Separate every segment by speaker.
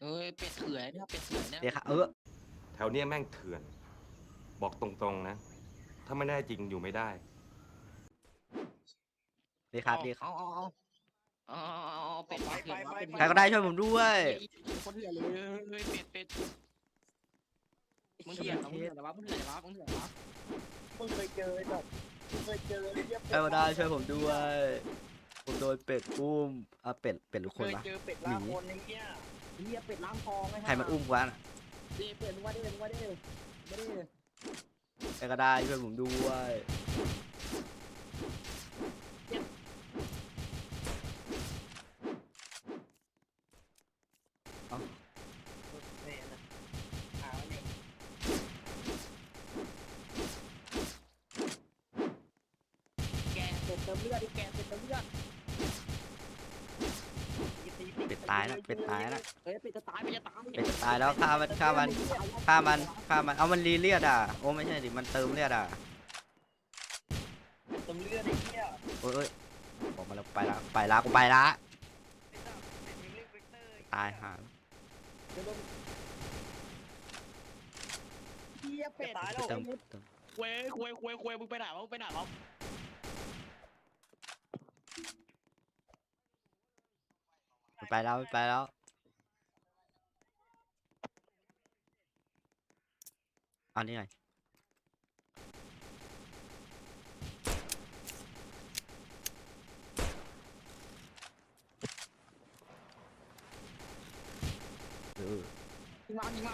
Speaker 1: เอ้ยเป็ดเถื่อนเนี่ยเป็ดเถื่อนเนี่ย
Speaker 2: เดี๋ยวค่ะ
Speaker 3: แถวเนี้ยแม่งเถื่อน บอกตรงๆนะ ถ้าไม่ได้จริงอยู่ไม่ได้
Speaker 2: ดีครับดีครับ
Speaker 1: เอาเป็ดเถื่อนวะเป็ด
Speaker 2: ใครก็ได้ช่วยผมด้วย
Speaker 1: คนเถื่อนเลยเฮ้ยเป็ดมึงเถื่อนเหรอมึงเถื่อนเหรอวะมึงเถื่อนเหรอวะ
Speaker 4: มึงเคยเจอแบบเคยเจอเรียบ
Speaker 2: ใครก็ได้ช่วยผมด้วยผมโดนเป็ดอุ้มเป็ดหรือ
Speaker 4: เค
Speaker 2: คน
Speaker 4: ยว
Speaker 2: ะ
Speaker 4: เจอเป็ดล่าคนไอ้เหี้ย
Speaker 1: เรียเป็ดล้างทองไง
Speaker 2: ใครมันอุ้มวะน่ะ
Speaker 1: ดิเป็ดมึงว่าดิมึงว่าดิไม่ได้
Speaker 2: ใครก็ได้ช่วยผมด้วย
Speaker 4: แม่นะหาเนี่ย
Speaker 1: แกเป็ดเติมเลือดดิแกเป็ดเติมเลือด
Speaker 2: เป็ดตายแล้วเป็ดตายแล้ว
Speaker 1: เฮ้ยเป็ดจะตายเป็ดจะตาย
Speaker 2: เป็ดจะตายแล้วฆ่ามันเอามันรีเลือดอ่ะโอ้ไม่ใช่ดิมันเติมเลือดอ่ะ
Speaker 4: เติมเลือดไอ้เหี้ย
Speaker 2: เอ้ยบอกมาแล้วไปละกูไปละตายห่า
Speaker 1: เฮียเป็ด
Speaker 4: ตายแล้ว
Speaker 2: เติม
Speaker 1: เว้ยมึงไปไหนวะมึงไปไหนวะ
Speaker 2: ไปแล้วเอานี่ไง
Speaker 1: ยิงมันยิงมัน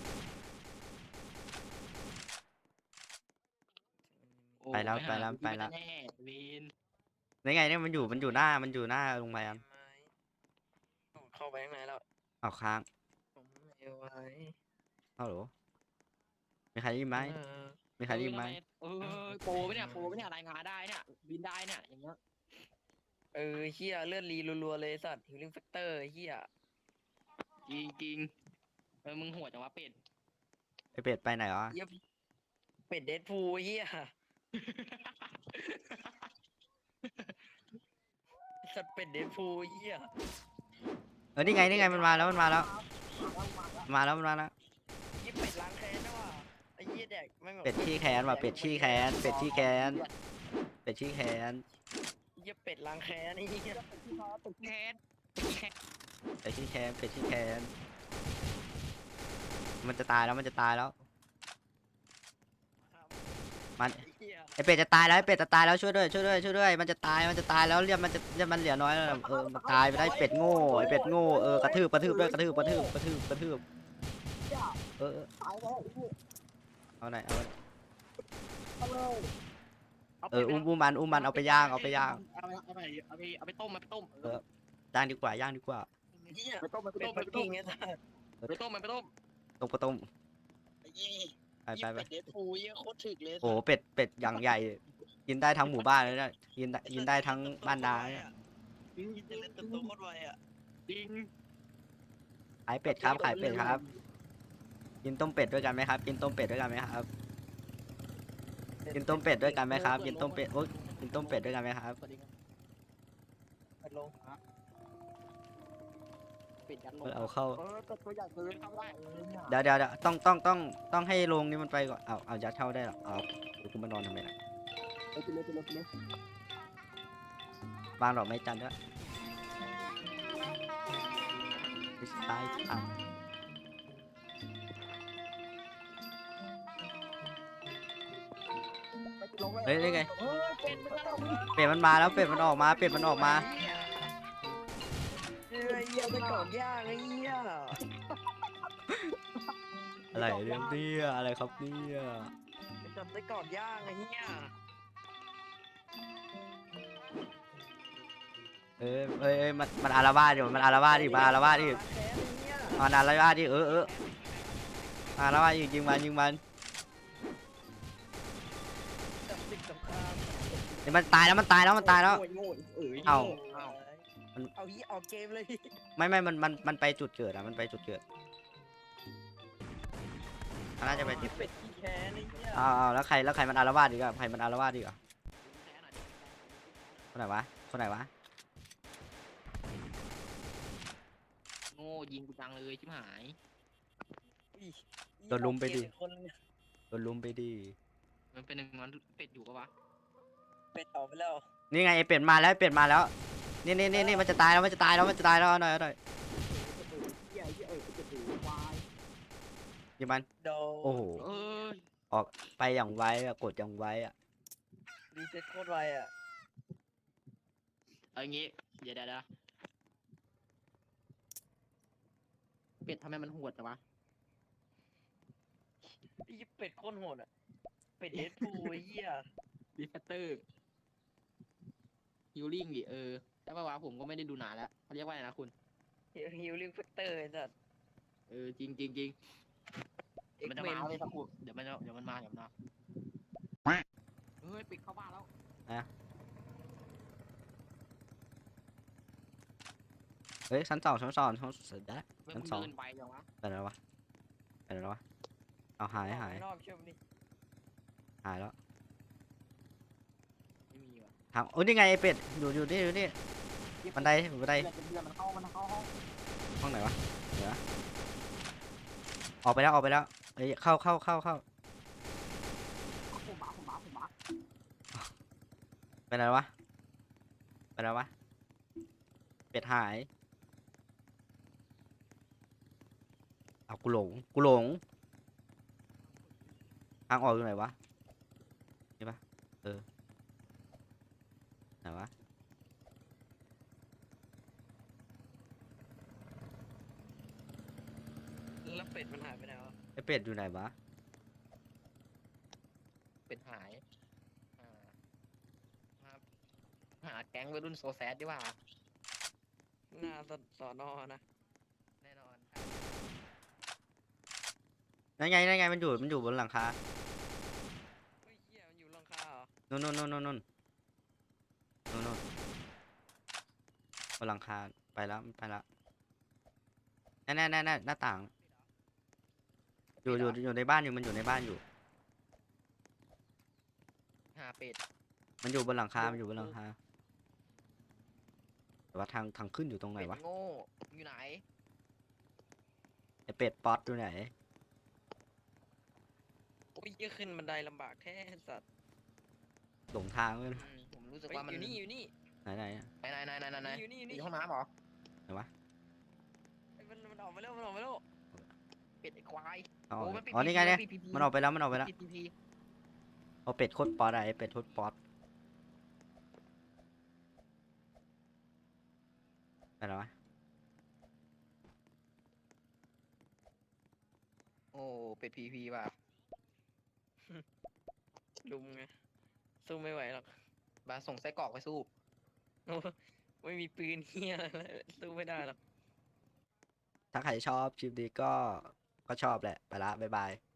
Speaker 2: ไปแล้ว
Speaker 1: แน่วีน
Speaker 2: นี่ไงเนี่ยมันอยู่หน้าโรงพยาบาล
Speaker 4: เข้าไปข้างในแล้ว
Speaker 2: เอาค้าง
Speaker 4: ผมไม่ไหว
Speaker 2: เอาเหรอมีใครได้ยินไหมมีใครได้ยินไหม
Speaker 1: โปรไม่เนี่ยรายงานได้เนี่ยบินได้เนี่ยอย่างเงี้ย
Speaker 4: เหี้ยเลือดรีรัวๆเลยสัตว์ฮิลลิ่งแฟกเตอร์เหี้ย
Speaker 1: จริงมึงหัวจังวะเป็ด
Speaker 2: ไอเป็ดไปไหนวะ
Speaker 4: เหี้ยเป็ดเดดพูลเหี้ยสัตว์เป็ดเดดพูลเหี้ย
Speaker 2: นี่ไงมันมาแล้ว
Speaker 4: ยี่เป็ดล้างแค้นนะว่ะไอ้เหี้ยแดกไม่งแบบ
Speaker 2: เป็ดขี้แค้นเป็ดขี้แค้นเ
Speaker 4: ยี่เป็ดล้างแค้นไอ้เหี้ย
Speaker 1: แคท
Speaker 2: เป็ดขี้แค้นมันจะตายแล้วมัน
Speaker 4: เหี้ย
Speaker 2: ไอเป็ดจะตายแล้วช่วยด้วยมันจะตายแล้วเลือดมันเหลือน้อยแล้วมันตายไปได้เป็ดโง่ไอเป็ดโง่กระทืบด้วยกระทืบเอาไหนเอาอุ้มมันเอาไปย่าง
Speaker 1: เอาไปต้ม
Speaker 2: ย่างดีกว่า
Speaker 4: เหี้ย
Speaker 1: ไปต้ม
Speaker 4: เป็ดปักกิ่งไอ้สัส
Speaker 1: ไปต้ม
Speaker 2: ต้ม
Speaker 4: ไอ้เหี้ย
Speaker 2: ไป
Speaker 4: เป็ดเดดพูลเหี้ยโคตรถึกเลย
Speaker 2: โอ้เป็ดอย่างใหญ่กินได้ทั้งหมู่บ้านเลยนะกินได้ทั้งบ้านนาเนี่ย
Speaker 4: ยิงจะเล่นตัวโคตรไวอ่ะ
Speaker 1: จริง
Speaker 2: ขายเป็ดครับกินต้มเป็ดด้วยกันไหมครับกินต้มเป็ดด้วยกันไหมครับกินต้มเป็ดด้วยกันไหมครับกินต้มเป็ดด้วยกันไหมครับ
Speaker 4: เป็ดลง
Speaker 1: เป็ดยันลง
Speaker 2: เอาเข้า
Speaker 1: ตัวใหญ่ซื้อเข้าได้
Speaker 2: เดี๋ยวต้องให้โรงนี้มันไปก่อนเอายัดเข้าได้หรอเอาเดี๋ยวกูมานอนทำไมล่ะ
Speaker 1: ไปเลย
Speaker 2: วางดอกไม้จันทร์ด้วยตายเฮ้ยนี่ไงเป็ดมันมาแล้วเป็ดมันออกมา
Speaker 4: เหี้ยไปก่อนย่างไอ้เหี้ย
Speaker 2: อะไรเรื่องเนี่ยอะไรครับเนี่ย
Speaker 4: ไปจับไปก่อนย่างไอ้เหี้ย
Speaker 2: มันอาละวาดอยู่มันอาละวาดดิมันอาละวาดดิ
Speaker 4: แค้นไอ้เหี้ย
Speaker 2: มันอาละวาดดิอาละวาดยิงมัน
Speaker 4: จับศึกสงคราม
Speaker 2: มันตายแล้วเอา
Speaker 4: เอาเหี้ยออกเกมเลย
Speaker 2: ไม่มันไปจุดเกิดมันไปจุดเกิดมันน่าจะไปจุด
Speaker 4: เป็ดขี้แค้นไอ้เหี้ย
Speaker 2: แล้วใครมันอาละวาดอีกอะใครมันอาละวาดอีกอะคนไหนวะ
Speaker 1: โง่ยิงกูจังเลยชิบหาย
Speaker 4: อุ้ย
Speaker 2: โดนลุมไปดิ
Speaker 4: เอาเกคนเนี่ย
Speaker 2: โดนลุมไปดิ
Speaker 1: มันเป็นหนึ่งมันเป็ดอยู่ปะวะ
Speaker 4: เป็ดออกไปแล้ว
Speaker 2: นี่ไงไอ้เป็ดมาแล้วไอ้เป็ดมาแล้วนี่มันจะตายแล้วมันจะตายแล้วมันจะตายแล้วเอาหน่อยเอาหน่อย
Speaker 1: เหี้ยเป็ดอยู่วาย
Speaker 2: ยิงมัน
Speaker 4: โดน
Speaker 2: โอ้โห
Speaker 1: เอ้ย
Speaker 2: ออกไปอย่างไวอะกดอย่างไวอะ
Speaker 4: รีเซ็ตโคตรไวอ่ะ
Speaker 1: เอางี้เดี๋ยวเป็ดทำไมมันโหดจังวะ
Speaker 4: ไอ้เป็ดโคตรโหดอ่ะเป็ดเอสทูไอ้เหี้ย
Speaker 1: ดีแฟตเตอร์ฮิลลิ่งดิแต่ว่าวะผมก็ไม่ได้ดูนานแล้วเขาเรียกว่าอะไรนะคุณ
Speaker 4: ฮิลลิ่งแฟกเตอร์ไอ้สัส
Speaker 1: จริงมันจะมาเลยสักครู่เดี๋ยวมันมาเฮ้ยปิดเข้าบ้านแล้ว
Speaker 2: เฮ้ยชั้นสองได้
Speaker 1: เฮ้ย
Speaker 2: ชั้
Speaker 1: มึ
Speaker 2: น
Speaker 1: ง
Speaker 2: สอง
Speaker 1: เดินไปยังวะ
Speaker 2: ไปไหนแล้ววะไปไหนแล้ววะเอาหาย
Speaker 4: ออกไปนอกเชื่อมดิ
Speaker 2: หายแล้ว
Speaker 1: ไม่มีวะ
Speaker 2: ทางโอ้ยนี่ไงไอ้เป็ดอยู่นี่บันไดบันได
Speaker 1: เดือนมันเข้าห้อง
Speaker 2: ห้องไหนวะเดี๋ยวนะออกไปแล้วเอ้ยเข้า
Speaker 1: ผมบัก
Speaker 2: ไปไหนแล้ววะเป็ดหายเอากูหลงทางออกอยู่ไหนวะนี่ปะไหนวะ
Speaker 4: แล้วเป็ดมันหายไปไหนวะ
Speaker 2: ไอเป็ดอยู่ไหนวะ
Speaker 1: เป็นหายครับหาแก๊งวัยรุ่นโซแซดดีกว่า
Speaker 4: หน้าสอนอนะ
Speaker 1: แน่นอน
Speaker 2: นั่นไงมันอยู่บนหลังคา
Speaker 4: เฮ้ยเหี้ยมันอยู่หลังคาเหรอ
Speaker 2: นู่นบนหลังคาไปแล้วแน่หน้าต่างอยู่ในบ้านอยู่มันอยู่ในบ้านอยู่
Speaker 1: หาเป็ด
Speaker 2: มันอยู่บนหลังคาแต่ว่าทางขึ้นอยู่ตรงไหน
Speaker 1: เป็ด
Speaker 2: วะ
Speaker 1: โง่อยู่ไหน
Speaker 2: ไอเป็ดป๊อตอยู่ไหน
Speaker 4: โอ้ยเหี้ยขึ้นบันไดลำบากแท้สัตว์
Speaker 2: หลงทางเลย
Speaker 1: ผมรู้สึก
Speaker 4: เฮ้ย
Speaker 1: ว่ามัน
Speaker 4: อยู่นี่
Speaker 2: ไหนอะ
Speaker 1: ไหน
Speaker 4: อยู่นี่
Speaker 1: อยู่ห้องน้ำเหรอ
Speaker 2: ไหนวะ
Speaker 4: เฮ้ยมันออกมาแล้วมันออกมาแล้ว
Speaker 1: เป็ดไอ้ควาย
Speaker 2: อ๋อ
Speaker 1: โอ้มันปิด
Speaker 2: อ๋อนี่ไงเนี่ย
Speaker 1: ปิด
Speaker 2: มันออกไปแล้ว
Speaker 1: ปิด PP
Speaker 2: เอาเป็ดโคตรป๊อตอะไอเป็ดโคตรป๊อตไปแล้ววะ
Speaker 1: โอ้เป็ด PP ว่ะ
Speaker 4: ลุมไงสู้ไม่ไหวหรอก
Speaker 1: มาส่งไส้กรอกไปสู้
Speaker 4: โอ้ไม่มีปืนเหี้ยอะไรเลยสู้ไม่ได้หรอก
Speaker 2: ถ้าใครชอบคลิปนี้ก็ชอบแหละไปละบ๊ายบาย